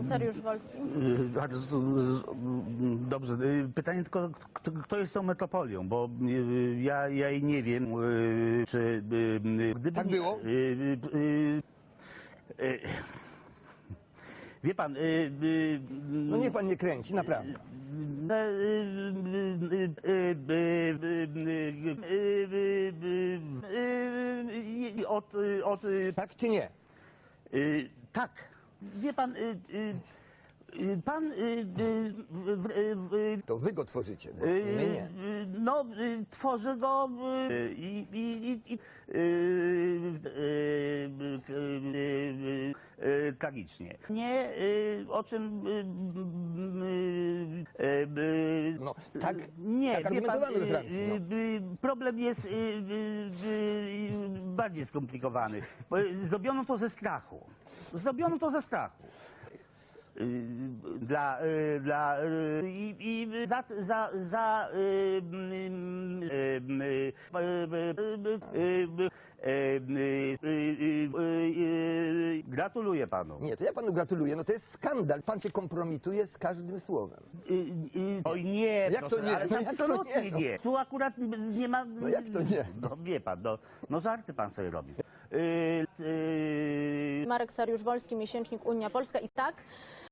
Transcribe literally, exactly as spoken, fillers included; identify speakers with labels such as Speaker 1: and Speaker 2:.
Speaker 1: Pan Sariusz Wolski.
Speaker 2: Y, bardzo, y, Dobrze. Y, Pytanie tylko, kto, kto jest tą metropolią, bo y, ja, ja jej nie wiem, y, czy... y, Gdyby
Speaker 3: Tak
Speaker 2: nie-
Speaker 3: było?
Speaker 2: y, y, y, y, Wie pan... y, y,
Speaker 3: No niech pan nie kręci, naprawdę.
Speaker 2: Od, od,
Speaker 3: Tak czy nie?
Speaker 2: y, tak, wie pan, y, y, y, pan, y, y, w, w, w,
Speaker 3: To wy go tworzycie, bo
Speaker 2: y,
Speaker 3: my nie.
Speaker 2: y, no, y, tworzy go y, i, i, i, i y, y, y, y, y, tragicznie. Nie, y, o czym... y, y, y, y,
Speaker 3: No, tak,
Speaker 2: nie,
Speaker 3: tak
Speaker 2: wie pan,
Speaker 3: argumentowano we Francji,
Speaker 2: y,
Speaker 3: no.
Speaker 2: y, problem jest y, y, y, bardziej skomplikowany. Bo zrobiono to ze strachu. Zrobiono to ze strachu. Y, Dla, y, dla y, i, i za, za, za y, y, y, y, gratuluję panu.
Speaker 3: Nie, to ja panu gratuluję. No to jest skandal. Pan się kompromituje z każdym słowem.
Speaker 2: Y, y, Oj nie,
Speaker 3: No jak to
Speaker 2: proszę,
Speaker 3: nie?
Speaker 2: ale
Speaker 3: No jak to
Speaker 2: absolutnie
Speaker 3: nie, no?
Speaker 2: nie. Tu akurat nie ma...
Speaker 3: No jak to nie?
Speaker 2: No wie pan, no, no żarty pan sobie robi. Y, y,
Speaker 1: Marek Sariusz Wolski, miesięcznik Unia Polska. I tak,